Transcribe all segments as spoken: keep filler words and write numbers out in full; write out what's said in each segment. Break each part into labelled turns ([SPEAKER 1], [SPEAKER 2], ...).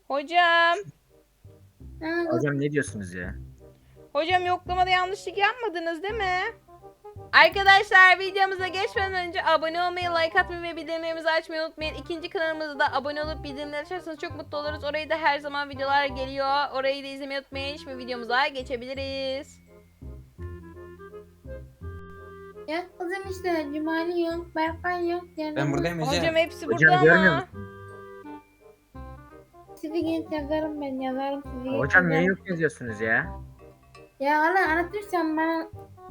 [SPEAKER 1] Hocam.
[SPEAKER 2] Hocam ne diyorsunuz ya?
[SPEAKER 1] Hocam yoklamada yanlışlık yapmadınız değil mi? Arkadaşlar videomuza geçmeden önce abone olmayı, like atmayı ve bildirimlerimizi açmayı unutmayın. İkinci kanalımızda da abone olup bildirimleri açarsanız çok mutlu oluruz. Orayı da her zaman videolar geliyor. Orayı da izlemeyi unutmayın. Şimdi videomuza geçebiliriz.
[SPEAKER 3] Ya kızım işte Cumali yok, Berkay yok.
[SPEAKER 4] Ben buradayım Ece.
[SPEAKER 1] Hocam hepsi
[SPEAKER 2] Hocam
[SPEAKER 1] burada
[SPEAKER 2] görmüyor
[SPEAKER 1] ama.
[SPEAKER 2] musun?
[SPEAKER 3] Sizi genç yazarım ben yazarım sizi genç
[SPEAKER 2] Hocam niye
[SPEAKER 3] yazarım.
[SPEAKER 2] yok yazıyorsunuz ya?
[SPEAKER 3] Ya Allah anlatırsan bana.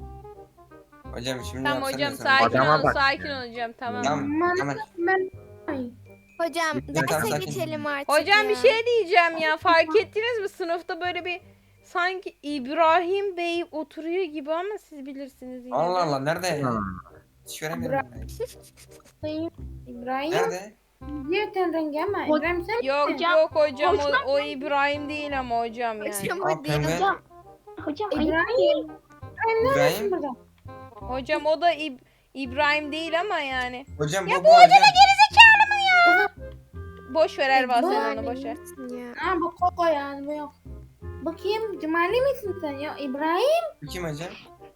[SPEAKER 4] Hocam şimdi
[SPEAKER 1] Tamam
[SPEAKER 4] yapsana
[SPEAKER 1] hocam
[SPEAKER 4] sen.
[SPEAKER 1] sakin
[SPEAKER 2] Adama
[SPEAKER 1] ol,
[SPEAKER 2] bak
[SPEAKER 1] sakin
[SPEAKER 2] ya.
[SPEAKER 1] ol hocam tamam.
[SPEAKER 4] Tamam.
[SPEAKER 3] Bana
[SPEAKER 4] Tamam.
[SPEAKER 3] ben. Ay.
[SPEAKER 5] Hocam
[SPEAKER 4] Lütfen
[SPEAKER 5] derse
[SPEAKER 4] sakin.
[SPEAKER 5] geçelim artık
[SPEAKER 1] Hocam
[SPEAKER 5] ya.
[SPEAKER 1] bir şey diyeceğim ya, fark ettiniz mi sınıfta böyle bir sanki İbrahim Bey oturuyor gibi ama siz bilirsiniz yine de.
[SPEAKER 4] Allah Allah nerede?
[SPEAKER 2] Ha.
[SPEAKER 4] Hiç göremiyorum ben.
[SPEAKER 3] Sayın İbrahim.
[SPEAKER 4] Nerede?
[SPEAKER 3] Diyor ten rengi ama İbrahim sen
[SPEAKER 1] Yok
[SPEAKER 3] misin?
[SPEAKER 1] yok hocam o, o İbrahim değil ama hocam yani.
[SPEAKER 5] Hocam
[SPEAKER 4] Aa,
[SPEAKER 5] o değil.
[SPEAKER 4] pembe.
[SPEAKER 5] Hocam.
[SPEAKER 6] Hocam
[SPEAKER 3] İbrahim. İbrahim ne
[SPEAKER 4] İbrahim.
[SPEAKER 3] yapıyorsun burada?
[SPEAKER 1] Hocam o da İb- İbrahim değil ama yani.
[SPEAKER 4] Hocam
[SPEAKER 1] Ya
[SPEAKER 4] bu
[SPEAKER 1] bu
[SPEAKER 4] bu
[SPEAKER 1] hoca da
[SPEAKER 4] hocam.
[SPEAKER 1] gerizekalı mı ya? Boş ver Erva sen
[SPEAKER 5] Hocam
[SPEAKER 1] onu boş ver.
[SPEAKER 5] ya.
[SPEAKER 3] Ha bu Koko yani bu yok. Bakayım Cumali misin sen ya İbrahim?
[SPEAKER 4] Bu kim hocam?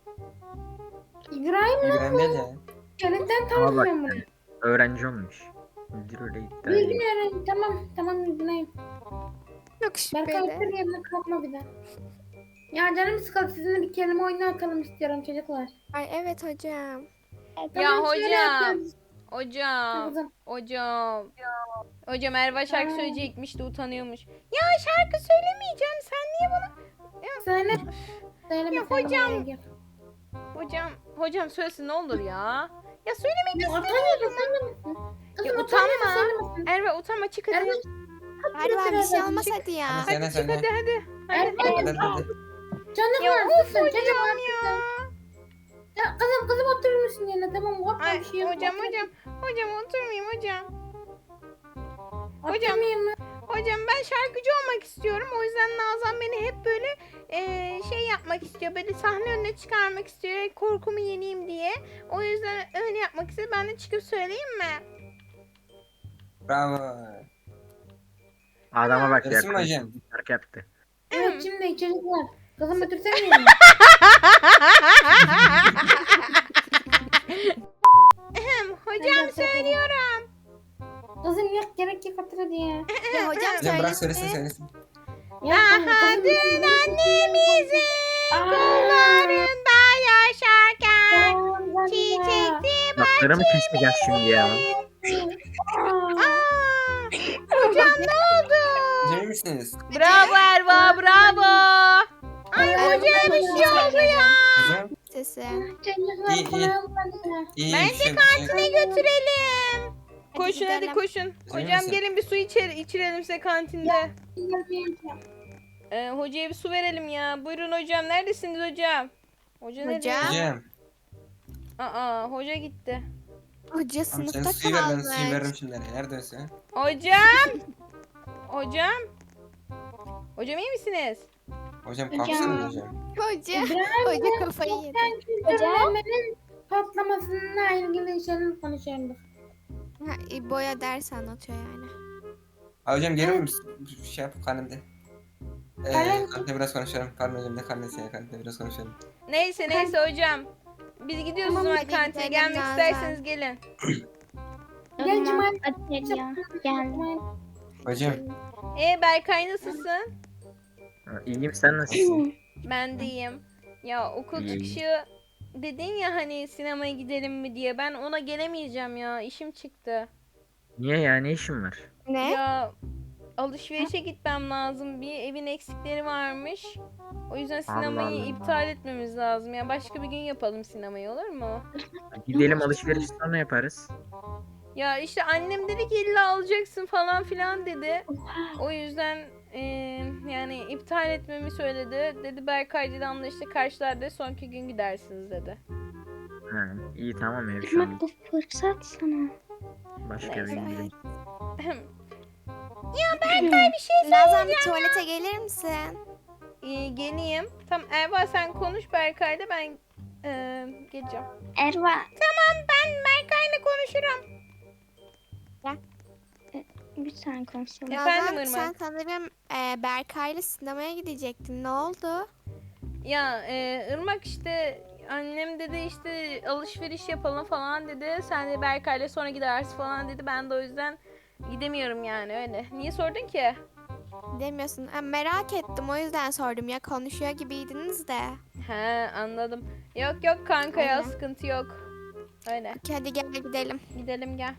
[SPEAKER 3] İbrahim
[SPEAKER 4] İbrahim değil ya.
[SPEAKER 3] Çelikten
[SPEAKER 2] Ama
[SPEAKER 3] tanıdım
[SPEAKER 2] bak
[SPEAKER 3] ben bunu.
[SPEAKER 2] yani, öğrenci olmuş. Müdür öyle iddia
[SPEAKER 3] Bilgin
[SPEAKER 2] ediyor.
[SPEAKER 3] öğren tamam tamam İbrahim.
[SPEAKER 5] Çok
[SPEAKER 3] Berkay
[SPEAKER 5] şüpheli.
[SPEAKER 3] otur yerine kalkma bir daha. Ya canım sıkıldı sizinle bir kelime oyunu atalım istiyorum çocuklar.
[SPEAKER 5] Ay evet hocam.
[SPEAKER 1] Ya
[SPEAKER 3] Tamam, şöyle
[SPEAKER 1] hocam.
[SPEAKER 3] yapıyoruz.
[SPEAKER 1] Hocam.
[SPEAKER 3] Kızım.
[SPEAKER 1] Hocam. Hocam Erva şarkı
[SPEAKER 3] Aa.
[SPEAKER 1] söyleyecekmiş de utanıyormuş. Ya şarkı söylemeyeceğim sen niye bana?
[SPEAKER 3] Söyle. Söyle
[SPEAKER 1] Ya
[SPEAKER 3] bakalım,
[SPEAKER 1] hocam.
[SPEAKER 3] oraya gir.
[SPEAKER 1] Hocam hocam söylesin ne olur ya. Ya söylemek
[SPEAKER 3] Ya
[SPEAKER 1] istemiyorum.
[SPEAKER 3] utanma söylemesin.
[SPEAKER 1] Ya
[SPEAKER 3] Kızım
[SPEAKER 1] utanma.
[SPEAKER 3] utanma söylemesin.
[SPEAKER 1] Erva utanma çık hadi.
[SPEAKER 3] Erva,
[SPEAKER 5] Erva bir şey olmaz hadi ya.
[SPEAKER 4] Hadi söyle
[SPEAKER 1] Hadi çık
[SPEAKER 4] söyle.
[SPEAKER 1] hadi hadi. Hadi.
[SPEAKER 3] Erva,
[SPEAKER 4] Hadi hadi.
[SPEAKER 3] canım
[SPEAKER 1] Ya
[SPEAKER 3] var
[SPEAKER 1] of
[SPEAKER 3] kızım. Canım
[SPEAKER 1] hocam
[SPEAKER 3] var
[SPEAKER 1] ya.
[SPEAKER 3] kızım. Ya kızım kızım oturur musun yerine tamam korkma
[SPEAKER 1] Ay,
[SPEAKER 3] bir şey yok.
[SPEAKER 1] hocam
[SPEAKER 3] Otur.
[SPEAKER 1] hocam. Hocam oturmayayım hocam. hocam.
[SPEAKER 3] Oturmayayım mı?
[SPEAKER 1] Hocam ben şarkıcı olmak istiyorum. O yüzden Nazan beni hep böyle eee, şey yapmak istiyor. Böyle sahne önüne çıkarmak istiyor. Korkumu yeneyim diye. O yüzden öyle yapmak istiyor. Ben de çıkıp söyleyeyim mi?
[SPEAKER 4] Bravo.
[SPEAKER 2] Adama bak ya.
[SPEAKER 4] Resim hocam.
[SPEAKER 2] Şarkı yaptı.
[SPEAKER 3] Evet şimdi çocuklar. Kızım otursana yerine.
[SPEAKER 1] Ahem, hocam
[SPEAKER 3] Hadi otur.
[SPEAKER 1] söylüyorum.
[SPEAKER 3] Kızım yok gerek yok otur hadi ya.
[SPEAKER 5] Ya hocam
[SPEAKER 4] Hocam bırak
[SPEAKER 5] söylesin.
[SPEAKER 4] söylesin söylesin.
[SPEAKER 3] Ya
[SPEAKER 1] Daha
[SPEAKER 3] kızım,
[SPEAKER 1] dün
[SPEAKER 3] kızım,
[SPEAKER 1] annemizin
[SPEAKER 3] Aa.
[SPEAKER 1] kollarında yaşarken
[SPEAKER 3] Aa,
[SPEAKER 1] çiçekti
[SPEAKER 2] Bakları mı keseceğiz şimdi ya?
[SPEAKER 3] Aa.
[SPEAKER 1] Aa, hocam ne oldu?
[SPEAKER 4] Hocam iyi misiniz?
[SPEAKER 1] Bravo Erva bravo. Ay
[SPEAKER 5] Erva,
[SPEAKER 1] hocaya bir şey oldu ya.
[SPEAKER 4] Hocam
[SPEAKER 5] Sesi.
[SPEAKER 3] Çocuklar
[SPEAKER 4] İyi, iyi.
[SPEAKER 3] kulağım kanıyor.
[SPEAKER 4] iyi
[SPEAKER 1] Bence
[SPEAKER 4] bir şey.
[SPEAKER 1] kantine götürelim. Koşun hadi
[SPEAKER 5] gidelim.
[SPEAKER 1] koşun.
[SPEAKER 4] Emin
[SPEAKER 1] Hocam
[SPEAKER 4] misin?
[SPEAKER 1] gelin bir su içer içirelim size kantinde. Ee, hocaya bir su verelim ya. Buyurun hocam. Neredesiniz hocam? Hoca nerede?
[SPEAKER 5] Hocam.
[SPEAKER 4] Hocam.
[SPEAKER 1] Aa hoca gitti.
[SPEAKER 5] Hoca
[SPEAKER 4] Tamam sen
[SPEAKER 5] sınıfta
[SPEAKER 4] suyu ver ben suyu veririm
[SPEAKER 5] kalmış.
[SPEAKER 4] şimdi. Neredesin?
[SPEAKER 1] Hocam. Hocam. Hocam iyi misiniz?
[SPEAKER 4] Hocam kalksana hocam.
[SPEAKER 5] Hoca.
[SPEAKER 3] İbrahim,
[SPEAKER 5] Hoca kafayı yedi.
[SPEAKER 3] Ben kültürlenmenin patlamasıyla ilgili şeyler konuşuyorum.
[SPEAKER 5] Ha, İbo'ya ders anlatıyor yani.
[SPEAKER 4] Ha, hocam gelir misin? Şey yap karnımda. Eee
[SPEAKER 3] Kalem-
[SPEAKER 4] karnımda biraz konuşalım. Karnım hocam ne karnesi ya karnımda biraz konuşalım.
[SPEAKER 1] Neyse neyse hocam. Biz gidiyoruz o
[SPEAKER 3] Tamam,
[SPEAKER 1] zaman
[SPEAKER 5] hadi
[SPEAKER 1] kantine.
[SPEAKER 5] gidelim
[SPEAKER 1] Gelmek
[SPEAKER 5] Nazan.
[SPEAKER 1] isterseniz gelin.
[SPEAKER 3] Gel Cemal.
[SPEAKER 6] Hadi ya. Gel.
[SPEAKER 4] Hocam.
[SPEAKER 1] Ee Berkay nasılsın?
[SPEAKER 2] Ha, İyiyim sen nasılsın?
[SPEAKER 1] Ben de iyiyim. Ya okul
[SPEAKER 2] İyi.
[SPEAKER 1] çıkışı dedin ya hani sinemaya gidelim mi diye. Ben ona gelemeyeceğim ya. İşim çıktı.
[SPEAKER 2] Niye ya ne işin var?
[SPEAKER 5] Ne?
[SPEAKER 1] Ya alışverişe gitmem lazım. Bir evin eksikleri varmış. O yüzden sinemayı
[SPEAKER 2] Allah.
[SPEAKER 1] iptal etmemiz lazım. Ya başka bir gün yapalım sinemayı olur mu?
[SPEAKER 2] Gidelim alışveriş sonra yaparız.
[SPEAKER 1] Ya işte annem dedi ki illa alacaksın falan filan dedi. O yüzden eee, yani iptal etmemi söyledi. Dedi Berkay dedi anla işte karşılarda sonraki gün gidersiniz dedi.
[SPEAKER 2] Ha, iyi tamam ya bir şey
[SPEAKER 6] Ama bu fırsat sana.
[SPEAKER 2] Başka bir
[SPEAKER 1] Neyse.
[SPEAKER 2] gün gidelim.
[SPEAKER 1] Ya Berkay bir şey
[SPEAKER 5] Nazan bir tuvalete gelir misin?
[SPEAKER 1] Ee, geleyim. Tamam Erva sen konuş Berkay'la ben eee, geleceğim.
[SPEAKER 6] Erva.
[SPEAKER 1] Tamam ben Berkay'la konuşurum.
[SPEAKER 6] Lütfen konuşalım.
[SPEAKER 1] Efendim
[SPEAKER 5] Nazan, sen
[SPEAKER 1] Irmak?
[SPEAKER 5] sanırım e, Berkay'la sinemaya gidecektin. Ne oldu?
[SPEAKER 1] Ya e, Irmak işte annem dedi işte alışveriş yapalım falan dedi. Sen de Berkay'la sonra gidersin falan dedi. Ben de o yüzden gidemiyorum yani öyle. Niye sordun ki?
[SPEAKER 5] Demiyorsun. Ha, merak ettim, o yüzden sordum ya, konuşuyor gibiydiniz de.
[SPEAKER 1] He anladım. Yok yok kanka ya
[SPEAKER 5] Aynen.
[SPEAKER 1] sıkıntı yok. Öyle.
[SPEAKER 5] Peki, hadi gel gidelim.
[SPEAKER 1] Gidelim gel.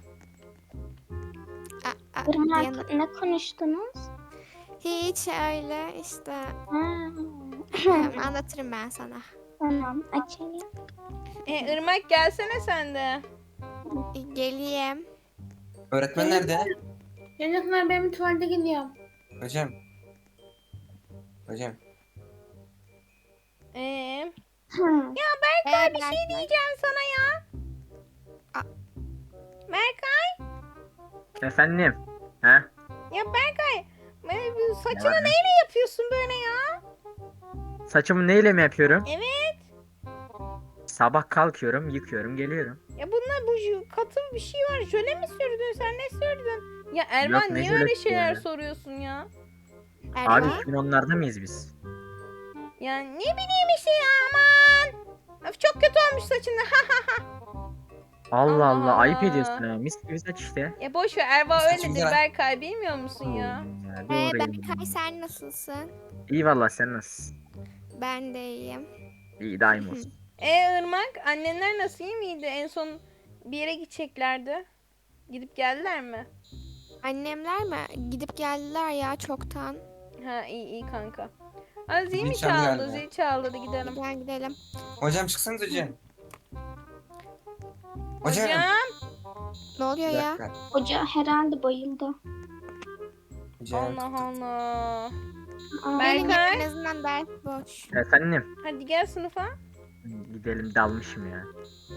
[SPEAKER 5] Aa, aa,
[SPEAKER 6] Irmak,
[SPEAKER 5] Diana-
[SPEAKER 6] ne konuştunuz?
[SPEAKER 5] Hiç öyle işte.
[SPEAKER 6] Ha,
[SPEAKER 5] Tamam, anlatırım ben sana.
[SPEAKER 6] tamam, açayım.
[SPEAKER 1] E, Irmak gelsene sen de.
[SPEAKER 5] E, Geleyim.
[SPEAKER 4] Öğretmen nerede?
[SPEAKER 3] Çocuklar ben bir tuvalete gidiyorum.
[SPEAKER 4] Hocam. Hocam.
[SPEAKER 1] Ee,
[SPEAKER 6] Hı.
[SPEAKER 5] Berkay, bir şey
[SPEAKER 1] diyeceğim sana ya.
[SPEAKER 5] Aa.
[SPEAKER 1] Berkay.
[SPEAKER 2] Efendim? He?
[SPEAKER 1] Ya Berkay. e, bu Saçını
[SPEAKER 2] var?
[SPEAKER 1] neyle yapıyorsun böyle ya?
[SPEAKER 2] Saçımı neyle mi yapıyorum?
[SPEAKER 1] Evet.
[SPEAKER 2] Sabah kalkıyorum, yıkıyorum, geliyorum.
[SPEAKER 1] Ya bunlar bu jü- katı bir şey var. Jöle mi sürdün sen ne sürdün? Ya Erman
[SPEAKER 2] Yok, ne
[SPEAKER 1] niye öyle
[SPEAKER 2] jölesi
[SPEAKER 1] şeyler
[SPEAKER 2] ya?
[SPEAKER 1] soruyorsun ya?
[SPEAKER 2] Abi
[SPEAKER 5] Erman.
[SPEAKER 2] iki bin onlarda mıyız biz?
[SPEAKER 1] Ya ne bileyim işte ya aman. Öf, çok kötü olmuş saçın.
[SPEAKER 2] Allah
[SPEAKER 1] Allah
[SPEAKER 2] Allah, ayıp
[SPEAKER 1] Allah.
[SPEAKER 2] ediyorsun ha. Mis gibi saç işte.
[SPEAKER 1] Ya boş ver Erva
[SPEAKER 4] Saçım
[SPEAKER 1] öyledir
[SPEAKER 4] güzel.
[SPEAKER 1] Berkay bilmiyor musun ya?
[SPEAKER 2] Hmm, ya,
[SPEAKER 5] Ee,
[SPEAKER 2] doğru
[SPEAKER 5] Berkay, sen nasılsın?
[SPEAKER 2] İyi valla, sen nasılsın?
[SPEAKER 5] Ben de iyiyim.
[SPEAKER 2] İyi, daim olsun.
[SPEAKER 1] E Irmak annenler nasıl iyi miydi? En son bir yere gideceklerdi. Gidip geldiler mi?
[SPEAKER 5] Annemler mi? Gidip geldiler ya çoktan.
[SPEAKER 1] Ha iyi iyi kanka. Aa, zil mi
[SPEAKER 4] Zil çaldı
[SPEAKER 1] çaldı?
[SPEAKER 4] galiba.
[SPEAKER 1] Zil çaldı hadi gidelim.
[SPEAKER 5] Gel gidelim.
[SPEAKER 4] Hocam çıksanız hocam. Hocam.
[SPEAKER 1] Hocam.
[SPEAKER 5] Ne oluyor
[SPEAKER 4] Bir
[SPEAKER 5] ya?
[SPEAKER 4] dakika.
[SPEAKER 6] Hoca herhalde bayıldı.
[SPEAKER 4] Hocam.
[SPEAKER 1] Allah Allah.
[SPEAKER 6] Aa,
[SPEAKER 1] Ben-
[SPEAKER 5] Gelin
[SPEAKER 1] Berkay.
[SPEAKER 5] gelin, en azından ders boş.
[SPEAKER 2] Efendim?
[SPEAKER 1] Hadi gel sınıfa.
[SPEAKER 2] Gidelim, dalmışım ya.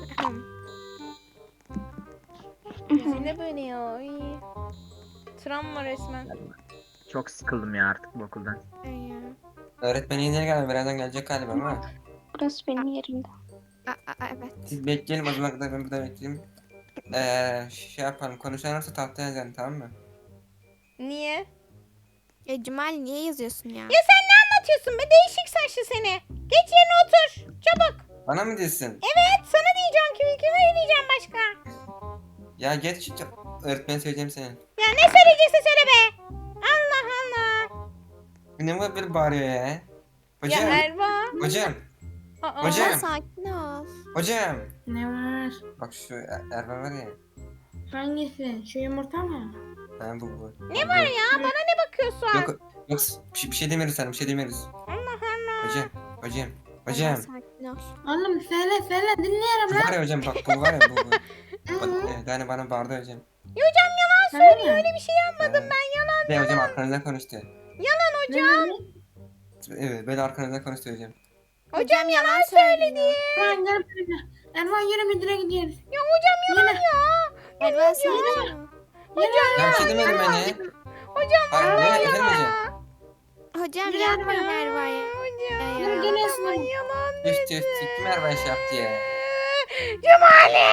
[SPEAKER 1] Zil ne böyle ya? Ay. Travma resmen.
[SPEAKER 2] Çok sıkıldım ya artık bu okuldan.
[SPEAKER 5] Ay ya.
[SPEAKER 4] Öğretmen yine geldi. Birazdan gelecek galiba ama.
[SPEAKER 6] burası benim yerimde.
[SPEAKER 5] Aa, aa, evet.
[SPEAKER 4] Siz bekleyelim o zaman kadar ben burada bekleyeyim. Eee şey yapalım. Konuşan olursa tahtaya yazalım, tamam mı?
[SPEAKER 1] Niye?
[SPEAKER 5] Ya Cemal, niye yazıyorsun ya?
[SPEAKER 1] Ya sen ne anlatıyorsun be değişik saçlı seni. Geç yerine otur. Çabuk.
[SPEAKER 4] Bana mı diyorsun?
[SPEAKER 1] Evet sana diyeceğim ki kime diyeceğim başka?
[SPEAKER 4] Ya geç. Öğretmen söyleyeceğim senin.
[SPEAKER 1] Ya ne söyleyecekse söyle be. Allah Allah.
[SPEAKER 4] Ne bu böyle bağırıyor ya? Hocam.
[SPEAKER 1] Ya Erva.
[SPEAKER 4] Hocam.
[SPEAKER 1] Aa,
[SPEAKER 4] Hocam.
[SPEAKER 5] Ama sakin ol.
[SPEAKER 4] Hocam.
[SPEAKER 3] Ne var?
[SPEAKER 4] Bak şu Er- Erman var ya.
[SPEAKER 3] Hangisi? Şu yumurta mı?
[SPEAKER 4] Ha bu bu.
[SPEAKER 1] Ne var ya bana ne bakıyorsun?
[SPEAKER 4] Yok yok bir şey, bir şey demiyoruz sana, bir şey demiyoruz.
[SPEAKER 1] Allah Allah.
[SPEAKER 4] Hocam. Hocam.
[SPEAKER 5] Ama
[SPEAKER 4] Hocam.
[SPEAKER 5] sakin ol.
[SPEAKER 3] Oğlum söyle söyle dinliyorum
[SPEAKER 4] Bu
[SPEAKER 3] lan.
[SPEAKER 4] var ya hocam, bak bu var ya bu. bu. Bak, e, yani bana bağırdı hocam.
[SPEAKER 1] Ya hocam yalan
[SPEAKER 3] Söyle
[SPEAKER 1] söylüyor öyle bir şey yapmadım
[SPEAKER 4] Ee,
[SPEAKER 1] ben yalan.
[SPEAKER 4] Bir de hocam arkanızdan konuştu.
[SPEAKER 1] Yalan
[SPEAKER 3] Ne
[SPEAKER 1] hocam.
[SPEAKER 3] dedi?
[SPEAKER 4] Evet böyle arkanızdan konuştu hocam.
[SPEAKER 1] Hocam yalan söyledi.
[SPEAKER 3] Erman gel buraya. Erman yürü müdüre gidiyoruz.
[SPEAKER 1] Ya hocam yalan
[SPEAKER 3] Yürü.
[SPEAKER 1] ya.
[SPEAKER 5] Erman, sakin ol.
[SPEAKER 4] Ya bir şey demedim ben ya.
[SPEAKER 1] Hocam
[SPEAKER 4] Hayır,
[SPEAKER 1] yalan
[SPEAKER 4] ne,
[SPEAKER 1] ya.
[SPEAKER 4] efendim hocam?
[SPEAKER 5] Hocam
[SPEAKER 3] Yürü
[SPEAKER 5] yapma
[SPEAKER 3] Erman.
[SPEAKER 5] Erva'ya.
[SPEAKER 1] Hocam
[SPEAKER 5] Ya, ya.
[SPEAKER 3] Geliyorsun.
[SPEAKER 1] yalan yalan.
[SPEAKER 4] Tüh tüh tüh kim Erman şey yaptı ya?
[SPEAKER 1] Cumali.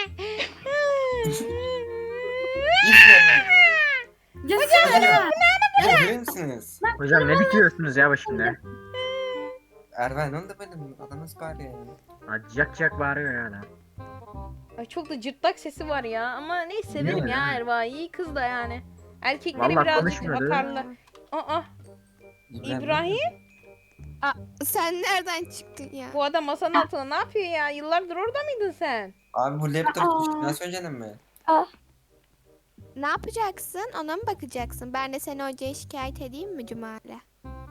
[SPEAKER 4] İyi misin Erman?
[SPEAKER 3] Hocam Erman.
[SPEAKER 4] Hocam görüyor musunuz?
[SPEAKER 2] Hocam ne bitiyorsunuz ya başımda?
[SPEAKER 4] Erman ne oldu benim? Adam nasıl bağırıyor ya?
[SPEAKER 2] Acıyak acıyak bağırıyor ya adam.
[SPEAKER 1] Ay çok da cırtlak sesi var ya ama neyse severim
[SPEAKER 2] Ne?
[SPEAKER 1] ya Erva iyi kız da yani. Erkekleri
[SPEAKER 2] Vallahi
[SPEAKER 1] birazcık
[SPEAKER 2] konuşmuyordu.
[SPEAKER 1] atarlı. Aa İbrahim
[SPEAKER 5] Sen nereden çıktın ya?
[SPEAKER 1] bu adam masanın altında ne yapıyor ya? Yıllardır orada mıydın sen?
[SPEAKER 4] Abi bu laptop
[SPEAKER 6] Aa.
[SPEAKER 4] düştü. Nasıl öncenin mi?
[SPEAKER 5] Ne yapacaksın? Ona mı bakacaksın? Ben de seni hocaya şikayet edeyim mi Cumali?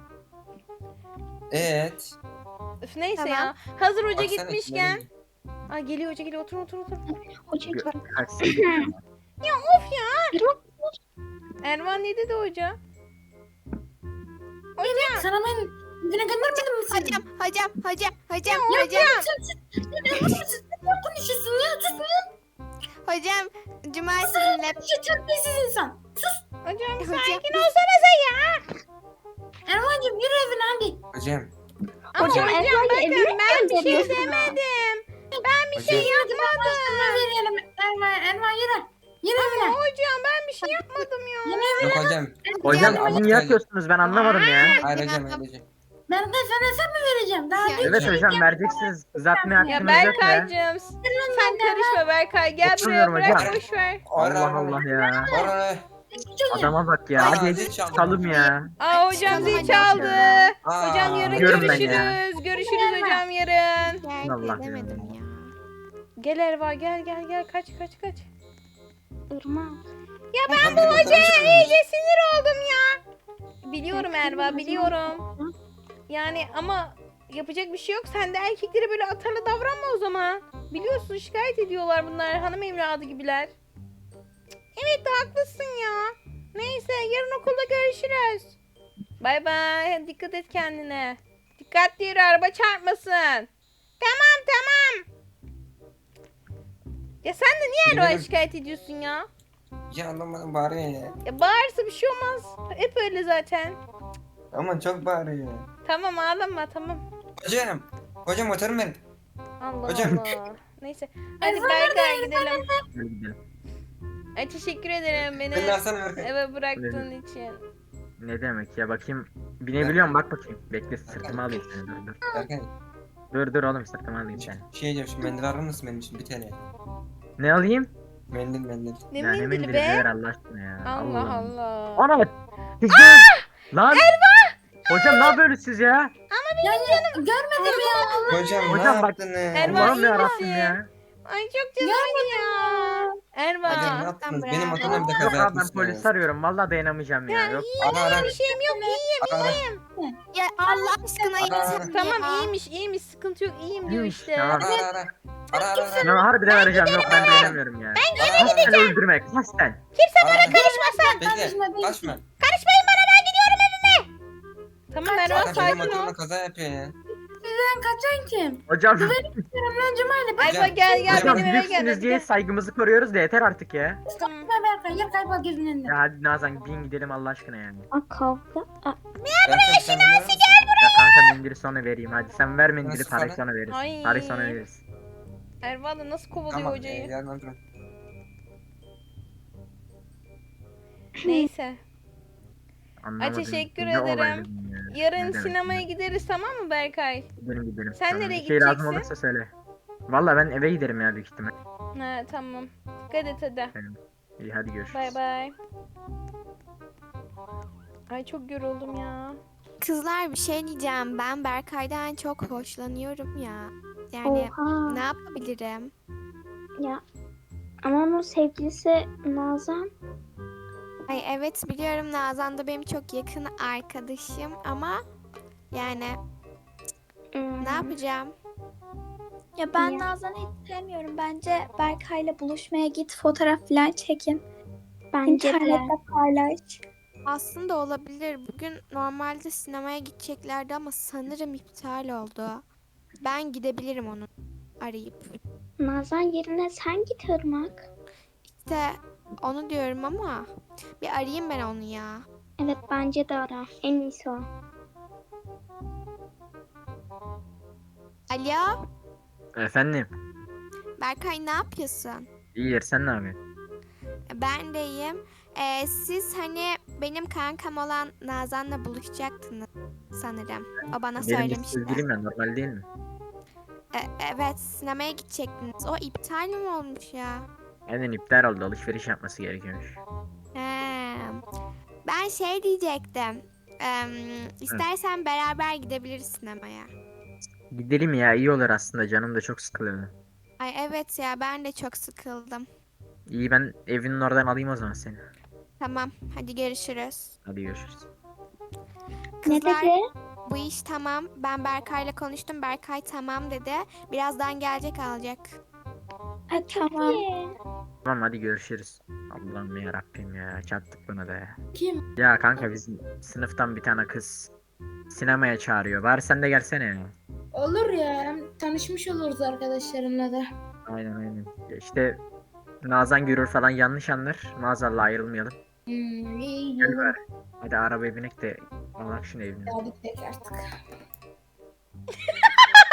[SPEAKER 4] Evet.
[SPEAKER 1] Üf neyse
[SPEAKER 5] Tamam.
[SPEAKER 1] ya. Hazır hoca
[SPEAKER 4] Baksana,
[SPEAKER 1] gitmişken.
[SPEAKER 4] içine
[SPEAKER 1] Ay geliyor hoca geliyor otur otur otur.
[SPEAKER 6] Hoca
[SPEAKER 2] Gö-
[SPEAKER 6] çok
[SPEAKER 2] Kaç sene-
[SPEAKER 1] Ya of ya. Erman ne dedi hoca? Hocam.
[SPEAKER 3] Sana ben müdüre göndermedim mi seni?
[SPEAKER 5] Hocam, hocam, hocam, hocam,
[SPEAKER 1] Ya
[SPEAKER 5] hocam,
[SPEAKER 3] Ne konuşuyorsun ya? Sus ya.
[SPEAKER 5] hocam, Cumali sizinle.
[SPEAKER 3] Şu terbiyesiz insan.
[SPEAKER 1] Hocam
[SPEAKER 5] Hocam.
[SPEAKER 1] sakin olsanıza ya.
[SPEAKER 3] Erman'cığım yürü evine hadi.
[SPEAKER 4] Hocam.
[SPEAKER 1] Ama
[SPEAKER 4] Hocam.
[SPEAKER 1] hocam,
[SPEAKER 6] Erva'yı
[SPEAKER 1] bakın
[SPEAKER 6] evine
[SPEAKER 1] ben bir şey
[SPEAKER 6] gönderiyorsun.
[SPEAKER 1] demedim. Ben bir
[SPEAKER 4] Hocam.
[SPEAKER 1] şey yapmadım.
[SPEAKER 3] Ne verelim Erman? Erman yürü. Yine evine.
[SPEAKER 1] Hocam ben bir şey yapmadım ya.
[SPEAKER 4] Yok hocam.
[SPEAKER 2] Hocam
[SPEAKER 4] Hocam,
[SPEAKER 2] siz niye yapıyorsunuz ben anlamadım ya.
[SPEAKER 4] Hayır hocam öyle değil.
[SPEAKER 3] Ben de sana hesap mı vereceğim? Daha
[SPEAKER 5] Ya,
[SPEAKER 3] bir
[SPEAKER 2] Evet
[SPEAKER 3] şey
[SPEAKER 2] hocam vereceksiniz. Uzatmaya
[SPEAKER 1] Ya
[SPEAKER 2] hakkınız yok ya.
[SPEAKER 1] Berkay'cığım sen karışma Berkay. Gel buraya
[SPEAKER 2] Oturmuyorum
[SPEAKER 1] bırak
[SPEAKER 2] hocam.
[SPEAKER 1] boş ver.
[SPEAKER 2] Allah Allah ya.
[SPEAKER 4] Oraya.
[SPEAKER 2] Adama bak ya.
[SPEAKER 4] Aa,
[SPEAKER 2] Hadi
[SPEAKER 4] zil çaldı.
[SPEAKER 2] çıkalım ya.
[SPEAKER 1] Aa hocam
[SPEAKER 5] Çıkalım
[SPEAKER 1] zil
[SPEAKER 5] hadi.
[SPEAKER 1] çaldı.
[SPEAKER 4] Aa,
[SPEAKER 1] Hocam yarın
[SPEAKER 2] Gidiyorum ben ya.
[SPEAKER 1] görüşürüz. Görüşürüz hocam yarın.
[SPEAKER 5] Gel
[SPEAKER 2] Allah
[SPEAKER 5] edemedim
[SPEAKER 2] ya.
[SPEAKER 5] ya.
[SPEAKER 1] Gel Erva gel gel gel kaç kaç kaç.
[SPEAKER 6] Irmak.
[SPEAKER 1] Ya
[SPEAKER 4] ben
[SPEAKER 1] ben bu hocaya iyice sinir oldum ya. Biliyorum Erva biliyorum. Yani ama yapacak bir şey yok. Sen de erkeklere böyle atarlı davranma o zaman. Biliyorsun şikayet ediyorlar bunlar. Hanım evladı gibiler. Cık, evet de haklısın ya. Neyse yarın okulda görüşürüz. Bay bay. Dikkat et kendine. Dikkatli yürü araba çarpmasın. Tamam tamam. Ya sen de niye Erva'ya
[SPEAKER 4] Biliyorum.
[SPEAKER 1] şikayet ediyorsun ya?
[SPEAKER 4] Ya anlamadım bağırıyor ya.
[SPEAKER 1] Ya bağırsa bir şey olmaz. Hep öyle zaten.
[SPEAKER 4] Ama çok bağırıyor.
[SPEAKER 1] Tamam ağlama tamam.
[SPEAKER 4] Hocam. Hocam motorum benim.
[SPEAKER 1] Allah
[SPEAKER 4] Hocam.
[SPEAKER 1] Allah. Neyse. Hadi Berkay gidelim.
[SPEAKER 2] Hadi gidelim.
[SPEAKER 1] Ay teşekkür ederim beni
[SPEAKER 4] Ben de alsana Berkay.
[SPEAKER 1] eve bıraktığın için.
[SPEAKER 2] Ne demek ya bakayım. Binebiliyorum bak bakayım. Bekle sırtıma alayım seni dur dur.
[SPEAKER 4] Berkay.
[SPEAKER 2] Dur dur oğlum sırtıma alayım seni.
[SPEAKER 4] Şey diyeceğim şu mendil alır mısın benim için bir tane?
[SPEAKER 2] Ne alayım?
[SPEAKER 4] Mendil mendil.
[SPEAKER 1] Ne
[SPEAKER 2] Ya ne
[SPEAKER 1] mendili
[SPEAKER 2] mendili
[SPEAKER 1] be?
[SPEAKER 2] ver Allah aşkına ya.
[SPEAKER 1] Allah Allah.
[SPEAKER 2] Ana! Kızım! Lan! Hocam ne yapıyorsunuz siz ya?
[SPEAKER 3] görmedim ya.
[SPEAKER 4] Hocam,
[SPEAKER 2] Hocam
[SPEAKER 4] ne
[SPEAKER 2] bak-
[SPEAKER 4] yaptınız?
[SPEAKER 1] Erva,
[SPEAKER 2] Allah'ım
[SPEAKER 1] iyi
[SPEAKER 2] yarabbim
[SPEAKER 1] misin?
[SPEAKER 2] ya.
[SPEAKER 1] Ay çok canım ya. Erva.
[SPEAKER 4] Hocam ne yaptınız?
[SPEAKER 5] Bravo.
[SPEAKER 4] Benim motorumla bir de
[SPEAKER 2] Yok
[SPEAKER 4] kaza
[SPEAKER 2] abi ben
[SPEAKER 4] yapmışsınız.
[SPEAKER 2] polis arıyorum. Vallahi dayanamayacağım ya. Yok.
[SPEAKER 4] Ara ara.
[SPEAKER 1] Bir şeyim yok iyiyim.
[SPEAKER 4] Ara ara.
[SPEAKER 5] Ya Allah aşkına
[SPEAKER 4] Aa,
[SPEAKER 5] yeter
[SPEAKER 1] Tamam
[SPEAKER 5] ya.
[SPEAKER 1] iyiymiş iyiymiş sıkıntı yok iyiyim diyor
[SPEAKER 2] İyiymiş,
[SPEAKER 1] işte.
[SPEAKER 2] tamam.
[SPEAKER 4] Ara ara. Ara ara. ara.
[SPEAKER 2] Ya harbiden arayacağım. Yok ben dayanamıyorum ya.
[SPEAKER 4] Ara ara.
[SPEAKER 2] Seni öldürmek. Kasten.
[SPEAKER 4] Bana
[SPEAKER 1] karışmasın.
[SPEAKER 4] Bekle.
[SPEAKER 3] Karışma, ben-
[SPEAKER 4] Kaçma.
[SPEAKER 1] Karışmayın bana ben gidiyorum evime. Tamam Erva
[SPEAKER 4] Zaten benim
[SPEAKER 1] sakin ol.
[SPEAKER 4] motorumla kaza yapıyor ya.
[SPEAKER 3] Sizden kaçan kim?
[SPEAKER 2] Hocam.
[SPEAKER 3] Lan Cumali bak.
[SPEAKER 1] Erva gel gel
[SPEAKER 2] Hocam
[SPEAKER 1] benim eve gel.
[SPEAKER 2] büyüksünüz
[SPEAKER 1] hadi
[SPEAKER 2] diye
[SPEAKER 1] gel.
[SPEAKER 2] saygımızı koruyoruz da yeter artık ya.
[SPEAKER 3] Sıkma Berkay. Ya kaybol gözünün önünde.
[SPEAKER 2] Ya hadi Nazan bin gidelim Allah aşkına yani.
[SPEAKER 6] Aa kavga. Aa,
[SPEAKER 4] Berkay sen biliyor musun?
[SPEAKER 2] Ya kanka mendili sonra vereyim hadi. Sen ver mendili
[SPEAKER 4] Nasıl
[SPEAKER 2] parayı
[SPEAKER 4] para?
[SPEAKER 2] sonra veririz.
[SPEAKER 1] Ay.
[SPEAKER 2] Parayı sonra veririz.
[SPEAKER 1] Erva da nasıl kovalıyor
[SPEAKER 4] Tamam. e,
[SPEAKER 1] hocayı.
[SPEAKER 4] Yarın alırım.
[SPEAKER 1] Neyse.
[SPEAKER 2] Anlamadım.
[SPEAKER 1] teşekkür
[SPEAKER 2] Ne olay
[SPEAKER 1] ederim.
[SPEAKER 2] dedim ya. Ne
[SPEAKER 1] Yarın
[SPEAKER 2] demek
[SPEAKER 1] sinemaya
[SPEAKER 2] ya?
[SPEAKER 1] gideriz tamam mı Berkay?
[SPEAKER 2] Gidelim gidelim.
[SPEAKER 1] Sen
[SPEAKER 2] Tamam.
[SPEAKER 1] nereye
[SPEAKER 2] Bir şey lazım
[SPEAKER 1] gideceksin?
[SPEAKER 2] olursa söyle. Valla ben eve giderim ya büyük ihtimal.
[SPEAKER 1] Ha tamam. Dikkat et hadi.
[SPEAKER 2] İyi hadi görüşürüz.
[SPEAKER 1] Bay bay. Ay çok yoruldum ya.
[SPEAKER 5] Kızlar bir şey diyeceğim. Ben Berkay'dan çok hoşlanıyorum ya. Yani
[SPEAKER 6] oha.
[SPEAKER 5] ne yapabilirim?
[SPEAKER 6] Ya. Ama onun sevgilisi Nazan.
[SPEAKER 5] Ay evet biliyorum Nazan da benim çok yakın arkadaşım ama yani
[SPEAKER 6] Hmm.
[SPEAKER 5] ne yapacağım?
[SPEAKER 7] Ya ben
[SPEAKER 6] Ya.
[SPEAKER 7] Nazan'ı hiç sevmiyorum. Bence Berkay'la buluşmaya git, fotoğraf falan çekin.
[SPEAKER 6] Bence de.
[SPEAKER 7] İnternette paylaş.
[SPEAKER 5] Aslında olabilir. Bugün normalde sinemaya gideceklerdi ama sanırım iptal oldu. Ben gidebilirim onu arayıp.
[SPEAKER 6] Nazan yerine sen git Irmak.
[SPEAKER 5] İşte onu diyorum ama bir arayayım ben onu ya.
[SPEAKER 6] Evet bence de ara. En iyisi o.
[SPEAKER 5] Alo
[SPEAKER 2] Efendim.
[SPEAKER 5] Berkay ne yapıyorsun?
[SPEAKER 2] İyidir sen ne yapıyorsun?
[SPEAKER 5] Ben de iyiyim. Ee, siz hani benim kankam olan Nazan'la buluşacaktınız sanırım. O bana
[SPEAKER 2] Benim de
[SPEAKER 5] söylemişti.
[SPEAKER 2] sevgilim ya normal değil mi?
[SPEAKER 5] E, evet sinemaya gidecektiniz. O iptal mi olmuş ya?
[SPEAKER 2] Aynen iptal oldu alışveriş yapması gerekiyormuş.
[SPEAKER 5] He. Ben şey diyecektim. Em, istersen beraber gidebiliriz sinemaya.
[SPEAKER 2] Gidelim ya iyi olur aslında canım da çok sıkılıyor.
[SPEAKER 5] Ay evet ya ben de çok sıkıldım.
[SPEAKER 2] İyi ben evinin oradan alayım o zaman seni.
[SPEAKER 5] Tamam hadi görüşürüz.
[SPEAKER 2] Hadi görüşürüz.
[SPEAKER 6] Ne
[SPEAKER 5] Kızlar
[SPEAKER 6] dedi?
[SPEAKER 5] bu iş tamam. Ben Berkay'la konuştum. Berkay tamam dedi. Birazdan gelecek alacak.
[SPEAKER 7] Ha, tamam.
[SPEAKER 6] İyi.
[SPEAKER 2] Tamam hadi görüşürüz. Allah'ım ya Rabbim ya çattık buna da ya.
[SPEAKER 3] Kim?
[SPEAKER 2] Ya kanka bizim sınıftan bir tane kız sinemaya çağırıyor. Bari sen de gelsene ya.
[SPEAKER 3] Olur ya. Tanışmış oluruz arkadaşlarımla da.
[SPEAKER 2] Aynen aynen. Ya işte Nazan görür falan yanlış anlar. Nazan'la ayrılmayalım.
[SPEAKER 3] Hmm, iyi
[SPEAKER 2] Gel
[SPEAKER 3] iyi.
[SPEAKER 2] bari. Hadi arabaya binek de alak şunu evine.
[SPEAKER 3] Hadi tek artık.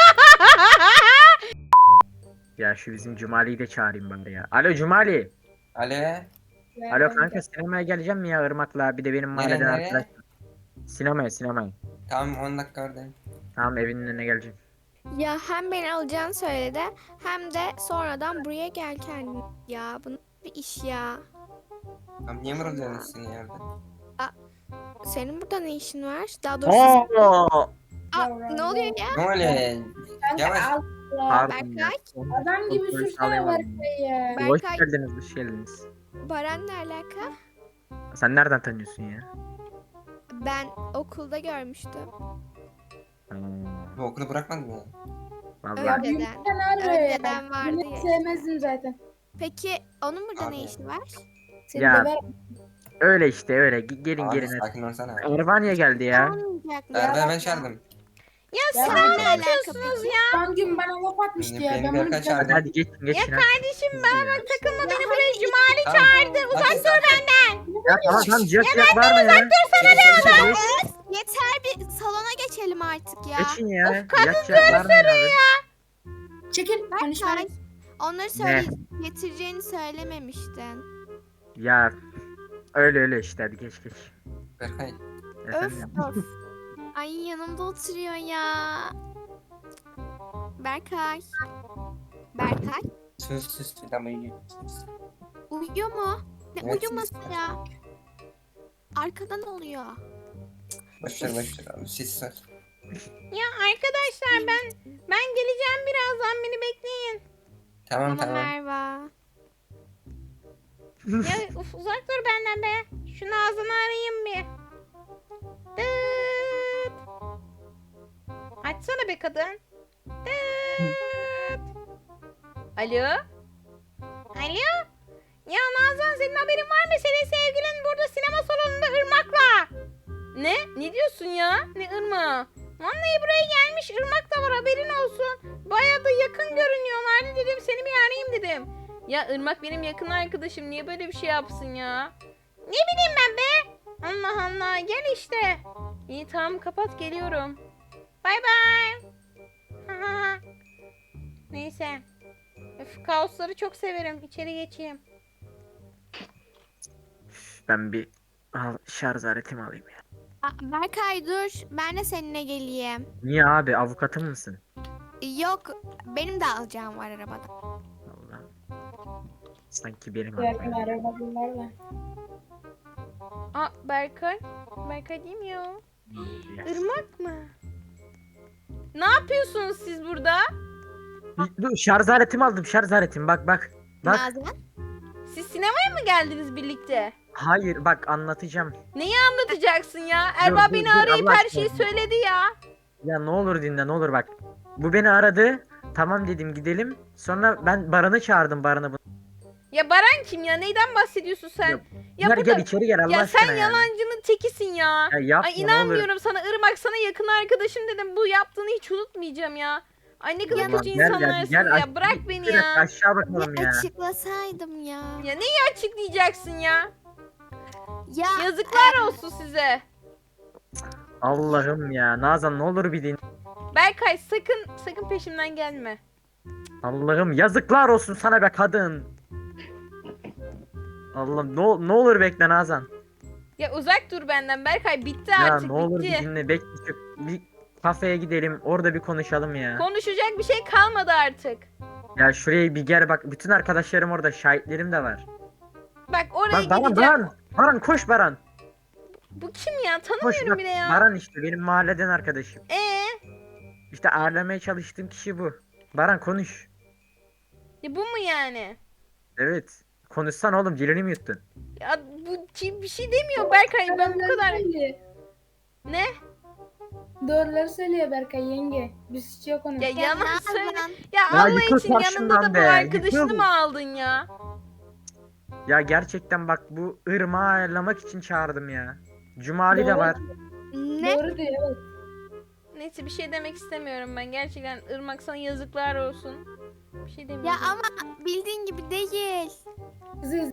[SPEAKER 2] Ya şu bizim Cumali'yi de çağırayım bari ya. Alo Cumali.
[SPEAKER 4] Alo.
[SPEAKER 2] Alo kanka, sinemaya geleceğim mi ya Irmak'la? Bir de benim mahalleden
[SPEAKER 4] nereye?
[SPEAKER 2] arkadaş. Sinemaya sinemaya.
[SPEAKER 4] Tamam on dakika oradayım.
[SPEAKER 2] Tamam, evinin önüne geleceğim.
[SPEAKER 5] Ya hem beni alacağını söyledi hem de sonradan buraya gel kendin. Ya bu nasıl bir iş ya?
[SPEAKER 4] Tamam niye mırılıyorsun sen yerde?
[SPEAKER 5] Senin burada ne işin var? Daha doğrusu
[SPEAKER 2] Oo!
[SPEAKER 5] Aa, ne oluyor ya?
[SPEAKER 4] Ne oluyor? Yavaş.
[SPEAKER 3] Kanka al.
[SPEAKER 2] Pardon ya.
[SPEAKER 5] Berkay?
[SPEAKER 3] Adam gibi
[SPEAKER 2] Kontrol
[SPEAKER 3] sürsene
[SPEAKER 2] sağlayamadım.
[SPEAKER 3] Berkay ya.
[SPEAKER 5] Ben-
[SPEAKER 2] Hoş
[SPEAKER 5] Berkay-
[SPEAKER 2] geldiniz, hoş geldiniz.
[SPEAKER 5] Baran ne alaka?
[SPEAKER 2] Sen nereden tanıyorsun ya?
[SPEAKER 5] Ben okulda görmüştüm.
[SPEAKER 2] Hmm,
[SPEAKER 4] Bu okulu bırakmadın mı?
[SPEAKER 2] vallahi.
[SPEAKER 3] Ya
[SPEAKER 5] Önceden.
[SPEAKER 3] büyükten arıyor ya.
[SPEAKER 5] Önceden vardı
[SPEAKER 3] Bunu
[SPEAKER 5] ya.
[SPEAKER 3] sevmezdim zaten.
[SPEAKER 5] Peki onun burada ne
[SPEAKER 4] Abi.
[SPEAKER 5] işi var?
[SPEAKER 3] Seni
[SPEAKER 2] Ya.
[SPEAKER 3] döver.
[SPEAKER 2] Öyle işte öyle. Ge- Gelin
[SPEAKER 4] Abi
[SPEAKER 2] gelin hadi.
[SPEAKER 4] sakin olsana.
[SPEAKER 2] Erva niye geldi ya?
[SPEAKER 5] Olmayacak mı?
[SPEAKER 4] Berber ben çağırdım.
[SPEAKER 1] Ya
[SPEAKER 3] Ya
[SPEAKER 1] siz
[SPEAKER 3] ben
[SPEAKER 1] ne
[SPEAKER 5] ne
[SPEAKER 1] yapıyorsunuz
[SPEAKER 5] alaka
[SPEAKER 1] ya?
[SPEAKER 3] Son gün bana laf atmıştı
[SPEAKER 4] Beni-
[SPEAKER 3] ya.
[SPEAKER 4] beni
[SPEAKER 3] Ben bunu
[SPEAKER 4] Berkay
[SPEAKER 3] bir
[SPEAKER 4] çağırdı.
[SPEAKER 2] Hadi hadi geçin geçin.
[SPEAKER 1] Ya
[SPEAKER 2] hadi.
[SPEAKER 1] kardeşim bana bak takılma beni buraya Cumali
[SPEAKER 4] Tamam.
[SPEAKER 1] çağırdı. Uzak
[SPEAKER 4] Hadi,
[SPEAKER 1] dur
[SPEAKER 4] sakin.
[SPEAKER 1] benden.
[SPEAKER 2] Ya tamam tamam, cihat cihat var mı ya?
[SPEAKER 4] Çekil, çekil, çekil.
[SPEAKER 5] Yeter bir salona geçelim artık ya.
[SPEAKER 2] Geçin ya. Cihat cihat var mı ya?
[SPEAKER 3] Çekil. Konuşma.
[SPEAKER 5] Berkay, onları söyle getireceğini söylememiştin.
[SPEAKER 2] Ya öyle öyle işte, hadi geç geç.
[SPEAKER 4] Berkay.
[SPEAKER 5] Öf
[SPEAKER 2] Efendim?
[SPEAKER 5] öf. Ay yanımda oturuyor ya. Berkay. Berkay.
[SPEAKER 4] Sus sus. Tamam iyi. Sus.
[SPEAKER 5] Uyuyor mu? Ne
[SPEAKER 4] Evet,
[SPEAKER 5] uyuması
[SPEAKER 4] sus.
[SPEAKER 5] ya? Arkada ne oluyor?
[SPEAKER 4] Boş ver boş ver abi. Siz sus.
[SPEAKER 1] Ya arkadaşlar ben ben geleceğim birazdan, beni bekleyin.
[SPEAKER 4] Tamam
[SPEAKER 5] Tamam
[SPEAKER 4] tamam.
[SPEAKER 5] Merva.
[SPEAKER 1] Ya uf, uzak dur benden be. Şu Nazan'ı arayayım bir. Dıt. Açsana be kadın. Dıt. Alo? Alo? Ya Nazan, senin haberin var mı? Senin sevgilin burada sinema salonunda Irmak'la. Ne? Ne diyorsun ya? Ne Irmak? Vallahi buraya gelmiş, Irmak da var, haberin olsun. Bayağı da yakın görünüyorlardı, dedim seni bir arayayım dedim. Ya Irmak benim yakın arkadaşım, niye böyle bir şey yapsın ya? Ne bileyim ben be. Allah Allah, gel işte. İyi tamam, kapat, geliyorum. Bay bay. Neyse. Öf, kaosları çok severim. İçeri geçeyim.
[SPEAKER 2] Ben bir al, şarj aletimi alayım ya.
[SPEAKER 5] Aa, Berkay dur. Ben de seninle geleyim.
[SPEAKER 2] Niye abi, avukatım mısın?
[SPEAKER 5] Yok. Benim de alacağım var arabada.
[SPEAKER 2] Allah. Sanki benim
[SPEAKER 3] Berkay
[SPEAKER 2] arabam.
[SPEAKER 3] araba bunlarla.
[SPEAKER 1] Aa, Berkay. Berkay değil mi ya? Irmak mı? Ne yapıyorsunuz siz burada?
[SPEAKER 2] Dur, şarj aletimi aldım, şarj aletimi, bak bak. Bak.
[SPEAKER 5] Nazan.
[SPEAKER 1] Siz sinemaya mı geldiniz birlikte?
[SPEAKER 2] Hayır bak, anlatacağım.
[SPEAKER 1] Neyi anlatacaksın ya? Erba
[SPEAKER 2] dur,
[SPEAKER 1] beni
[SPEAKER 2] dur,
[SPEAKER 1] arayıp
[SPEAKER 2] Allah
[SPEAKER 1] her şeyi
[SPEAKER 2] aşkına.
[SPEAKER 1] söyledi ya.
[SPEAKER 2] Ya ne olur dinle, ne olur bak. Bu beni aradı. Tamam dedim, gidelim. Sonra ben Baran'ı çağırdım, Baran'ı. bu-
[SPEAKER 1] Ya Baran kim ya? Neyden bahsediyorsun sen?
[SPEAKER 2] Ya,
[SPEAKER 1] Ya,
[SPEAKER 2] Gel
[SPEAKER 1] burada...
[SPEAKER 2] gel içeri gel Allah
[SPEAKER 1] Ya
[SPEAKER 2] aşkına
[SPEAKER 1] sen
[SPEAKER 2] ya.
[SPEAKER 1] yalancının tekisin ya.
[SPEAKER 2] Ya yapma,
[SPEAKER 1] Ay
[SPEAKER 2] ne olur.
[SPEAKER 1] inanmıyorum sana Irmak, sana yakın arkadaşım dedim. Bu yaptığını hiç unutmayacağım ya. Ay ne kadar
[SPEAKER 2] Tamam,
[SPEAKER 1] kötü
[SPEAKER 2] gel, gel,
[SPEAKER 1] insanlarsın
[SPEAKER 2] gel,
[SPEAKER 1] ya.
[SPEAKER 2] aç-
[SPEAKER 1] Bırak
[SPEAKER 2] bir
[SPEAKER 1] beni
[SPEAKER 2] dakika,
[SPEAKER 1] ya.
[SPEAKER 2] aşağı bakalım
[SPEAKER 5] Ne
[SPEAKER 2] ya.
[SPEAKER 5] açıklasaydım ya.
[SPEAKER 1] Ya neyi açıklayacaksın ya?
[SPEAKER 5] Ya
[SPEAKER 1] Yazıklar olsun size.
[SPEAKER 2] Allah'ım ya. Nazan ne olur bir din.
[SPEAKER 1] Berkay sakın sakın peşimden gelme.
[SPEAKER 2] Allah'ım yazıklar olsun sana be kadın. Allah'ım ne, ol- ne olur bekle Nazan.
[SPEAKER 1] Ya uzak dur benden Berkay, bitti
[SPEAKER 2] Ya
[SPEAKER 1] artık
[SPEAKER 2] ne olur bir
[SPEAKER 1] bitti.
[SPEAKER 2] dinle, bekle şu bir kafeye gidelim, orada bir konuşalım ya.
[SPEAKER 1] Konuşacak bir şey kalmadı artık.
[SPEAKER 2] Ya şuraya bir gel bak, bütün arkadaşlarım orada, şahitlerim de var.
[SPEAKER 1] Bak oraya
[SPEAKER 2] Bak Baran,
[SPEAKER 1] gideceğim.
[SPEAKER 2] Baran, Baran koş Baran.
[SPEAKER 1] Bu kim ya?
[SPEAKER 2] Koş
[SPEAKER 1] Tanımıyorum
[SPEAKER 2] bak,
[SPEAKER 1] bile ya.
[SPEAKER 2] Baran işte benim mahalleden arkadaşım.
[SPEAKER 1] Ee,
[SPEAKER 2] İşte ağırlamaya çalıştığım kişi bu. Baran konuş.
[SPEAKER 1] ya bu mu yani?
[SPEAKER 2] Evet. Konuşsana oğlum, dilini mi yuttun?
[SPEAKER 1] Ya bu ki- bir şey demiyor Berkay. Ben bu
[SPEAKER 3] Doğruları
[SPEAKER 1] kadar...
[SPEAKER 3] söylüyor.
[SPEAKER 1] Ne?
[SPEAKER 3] Doğruları söylüyor Berkay yenge. Biz hiç yok onun.
[SPEAKER 1] Ya
[SPEAKER 5] Ya
[SPEAKER 1] yalan
[SPEAKER 5] Nazan.
[SPEAKER 1] söyle. Ya,
[SPEAKER 2] Ya
[SPEAKER 1] Allah
[SPEAKER 2] yıkıl
[SPEAKER 1] için yanında
[SPEAKER 2] karşımdan
[SPEAKER 1] da bu
[SPEAKER 2] be,
[SPEAKER 1] arkadaşını
[SPEAKER 2] yıkıl.
[SPEAKER 1] mı aldın ya?
[SPEAKER 2] Ya gerçekten bak, bu ırmağı ayarlamak için çağırdım ya. Cumali de
[SPEAKER 3] Doğru.
[SPEAKER 2] var.
[SPEAKER 5] Ne?
[SPEAKER 3] Doğru diyor evet.
[SPEAKER 1] Neyse bir şey demek istemiyorum ben. Gerçekten Irmak sana yazıklar olsun. Bir şey
[SPEAKER 5] Ya
[SPEAKER 1] demiyorum.
[SPEAKER 5] ama bildiğin gibi değil.
[SPEAKER 3] Kızı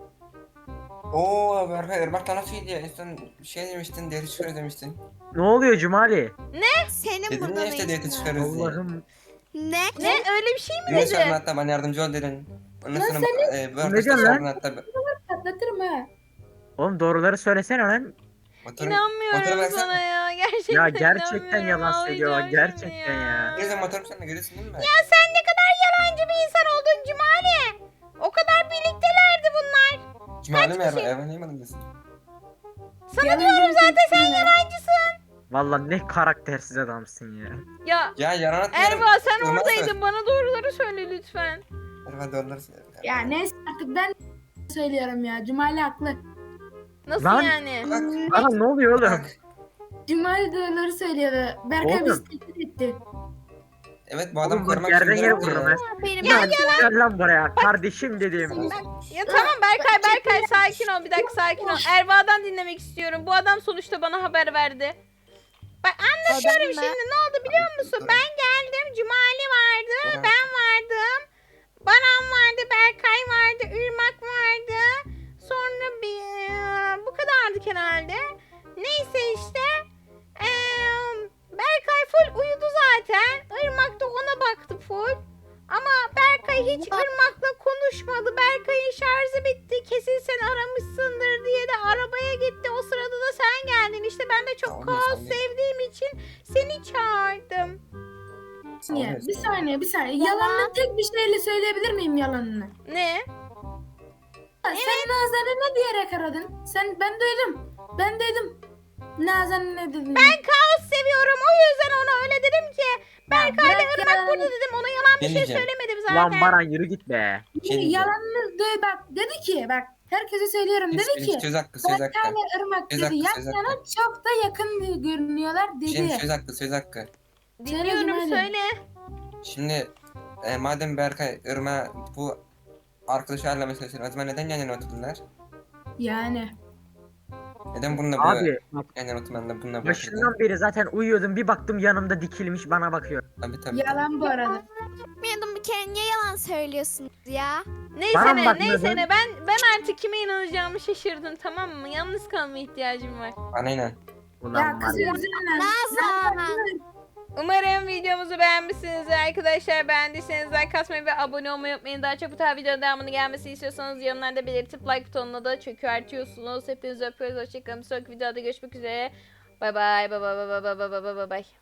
[SPEAKER 4] Oo Berkay Irmak'la nasıl gidiyor? En son şey demiştin, deri çıkarıyor demiştin.
[SPEAKER 2] Ne oluyor Cumali?
[SPEAKER 5] Senin
[SPEAKER 4] Dedin
[SPEAKER 5] burada
[SPEAKER 4] ya
[SPEAKER 5] ne
[SPEAKER 4] işte deri
[SPEAKER 5] işin var?
[SPEAKER 4] çıkarıyoruz diye.
[SPEAKER 2] Allah'ım.
[SPEAKER 5] Ne?
[SPEAKER 1] Ne öyle bir şey mi
[SPEAKER 4] Yunus
[SPEAKER 1] dedi?
[SPEAKER 4] abla hatta bana yardımcı ol dedin. Ondan
[SPEAKER 3] Lan
[SPEAKER 4] sonra
[SPEAKER 3] sen
[SPEAKER 4] e, bu
[SPEAKER 2] Ne
[SPEAKER 4] arkadaşlar
[SPEAKER 2] diyorsun lan?
[SPEAKER 4] hatta
[SPEAKER 3] patlatırım ha.
[SPEAKER 2] Oğlum doğruları söylesene lan.
[SPEAKER 4] Motoru, motoru
[SPEAKER 1] İnanmıyorum
[SPEAKER 4] versene.
[SPEAKER 1] sana ya. Gerçekten
[SPEAKER 2] Ya gerçekten
[SPEAKER 1] inanmıyorum.
[SPEAKER 2] yalan söylüyor,
[SPEAKER 1] Ağlayacağım şimdi
[SPEAKER 2] gerçekten ya.
[SPEAKER 4] Neyse motorum sen de görüyorsun değil mi?
[SPEAKER 1] Ya sen ne kadar yalancı bir insan oldun Cumali. O kadar birliktelerdi bunlar.
[SPEAKER 4] Cumali mi
[SPEAKER 1] kişi?
[SPEAKER 4] Erva? Erva neyim adın
[SPEAKER 1] Sana
[SPEAKER 3] Yalan
[SPEAKER 1] diyorum zaten sen
[SPEAKER 3] söyleme.
[SPEAKER 1] yalancısın.
[SPEAKER 2] Vallahi ne karaktersiz adamsın ya.
[SPEAKER 1] Ya
[SPEAKER 4] Ya yalan atmıyorum.
[SPEAKER 1] Erva sen
[SPEAKER 4] Irmağa
[SPEAKER 1] oradaydın.
[SPEAKER 4] söyle.
[SPEAKER 1] Bana doğruları söyle lütfen.
[SPEAKER 4] Erva doğruları söyle.
[SPEAKER 3] Ya neyse artık ben söylüyorum ya. Cumali haklı.
[SPEAKER 1] Nasıl
[SPEAKER 2] Lan.
[SPEAKER 1] yani?
[SPEAKER 4] Bak
[SPEAKER 2] Bana ne oluyor oğlum?
[SPEAKER 4] bak.
[SPEAKER 3] Cumali doğruları söylüyordu. Berkay bizi
[SPEAKER 2] Oğlum.
[SPEAKER 3] tehdit etti.
[SPEAKER 4] Evet bu adam
[SPEAKER 2] Oğlum bak
[SPEAKER 4] korumak
[SPEAKER 2] yerden
[SPEAKER 4] için
[SPEAKER 2] yere
[SPEAKER 4] diyorum
[SPEAKER 2] vururum
[SPEAKER 4] ya.
[SPEAKER 2] ha.
[SPEAKER 5] Benim
[SPEAKER 2] Ya gel lan buraya kardeşim dedim.
[SPEAKER 1] Ya tamam Berkay Berkay sakin ol bir dakika sakin ol. Erva'dan dinlemek istiyorum. Bu adam sonuçta bana haber verdi. Bak anlatıyorum
[SPEAKER 5] Adam mı?
[SPEAKER 1] şimdi ne oldu biliyor musun? Ben geldim Cumali vardı,
[SPEAKER 4] Evet.
[SPEAKER 1] ben vardım. Baran vardı, Berkay vardı, Irmak vardı. Sonra bir bu kadardı herhalde. Neyse işte. Eee Berkay full uyudu zaten. Irmak da ona baktı full. Ama Berkay hiç Irmak'la konuşmadı. Berkay'ın şarjı bitti. Kesin sen aramışsındır diye de arabaya gitti. O sırada da sen geldin. İşte ben de çok
[SPEAKER 4] Tamam,
[SPEAKER 1] kaos
[SPEAKER 4] tamam.
[SPEAKER 1] sevdiğim için seni çağırdım.
[SPEAKER 3] Niye?
[SPEAKER 4] Sağ ol,
[SPEAKER 3] Bir
[SPEAKER 4] sağ ol.
[SPEAKER 3] saniye bir saniye. Yalanını tek bir şeyle söyleyebilir miyim yalanını?
[SPEAKER 1] Ne?
[SPEAKER 3] Ha, Sen Nazan'ı ne diyerek aradın? Sen ben duydum. Ben duydum. Nazan'ı ne dedin?
[SPEAKER 1] Ben kaos seviyorum. O yüzden ona öyle dedim ki. Berkay'la
[SPEAKER 3] bırak
[SPEAKER 1] Irmak
[SPEAKER 3] ya.
[SPEAKER 1] burada dedim. Ona yalan bir
[SPEAKER 4] Ne
[SPEAKER 1] şey
[SPEAKER 4] diyeceğim?
[SPEAKER 1] söylemedim zaten.
[SPEAKER 2] Lan Baran yürü git be.
[SPEAKER 4] Bir şey diyeceğim.
[SPEAKER 3] Yalanını duy bak. Dedi ki bak. Herkese söylüyorum.
[SPEAKER 4] Hiç-
[SPEAKER 3] Dedi
[SPEAKER 4] hiç
[SPEAKER 3] ki.
[SPEAKER 4] Söz hakkı söz hakkı.
[SPEAKER 3] Berkay'la Irmak
[SPEAKER 4] Söz
[SPEAKER 3] dedi.
[SPEAKER 4] hakkı,
[SPEAKER 3] Yan
[SPEAKER 4] söz
[SPEAKER 3] yana
[SPEAKER 4] hakkı.
[SPEAKER 3] çok da yakın görünüyorlar
[SPEAKER 4] Şimdi
[SPEAKER 3] dedi.
[SPEAKER 4] söz hakkı söz hakkı.
[SPEAKER 1] Dinliyorum
[SPEAKER 3] Söyle,
[SPEAKER 1] söyle.
[SPEAKER 4] Şimdi e, madem Berkay Irma bu arkadaşı ayarlamayı çalışıyor. O zaman neden yan yana oturdular?
[SPEAKER 3] Yani.
[SPEAKER 4] Neden bununla bu
[SPEAKER 2] Abi bak
[SPEAKER 4] yan yana oturmadılar bununla bu oturdular?
[SPEAKER 2] başından beri zaten uyuyordum bir baktım yanımda dikilmiş bana bakıyor.
[SPEAKER 4] Tabii tabii.
[SPEAKER 3] Yalan bu arada.
[SPEAKER 5] Bilmiyordum bir kere niye yalan söylüyorsunuz ya?
[SPEAKER 1] Neyse
[SPEAKER 2] Bana
[SPEAKER 1] ne,
[SPEAKER 2] bak
[SPEAKER 1] neyse
[SPEAKER 2] neden?
[SPEAKER 1] ne. Ben ben artık kime inanacağımı şaşırdım tamam mı? Yalnız kalmaya ihtiyacım var.
[SPEAKER 4] Bana inan.
[SPEAKER 2] Ulan
[SPEAKER 3] Ya
[SPEAKER 2] var
[SPEAKER 3] kız
[SPEAKER 2] ya.
[SPEAKER 3] üzerinden.
[SPEAKER 5] Nazan.
[SPEAKER 1] Umarım videomuzu beğenmişsinizdir arkadaşlar. Beğendiyseniz like atmayı ve abone olmayı unutmayın. Daha çok bu tarz videonun devamını gelmesini istiyorsanız yorumlarda belirtip like butonuna da çökertiyorsunuz. Hepinizi öpüyoruz. Hoşçakalın. Bir sonraki videoda görüşmek üzere. Bay bay. Bay bay bay bay bay bay bay bay.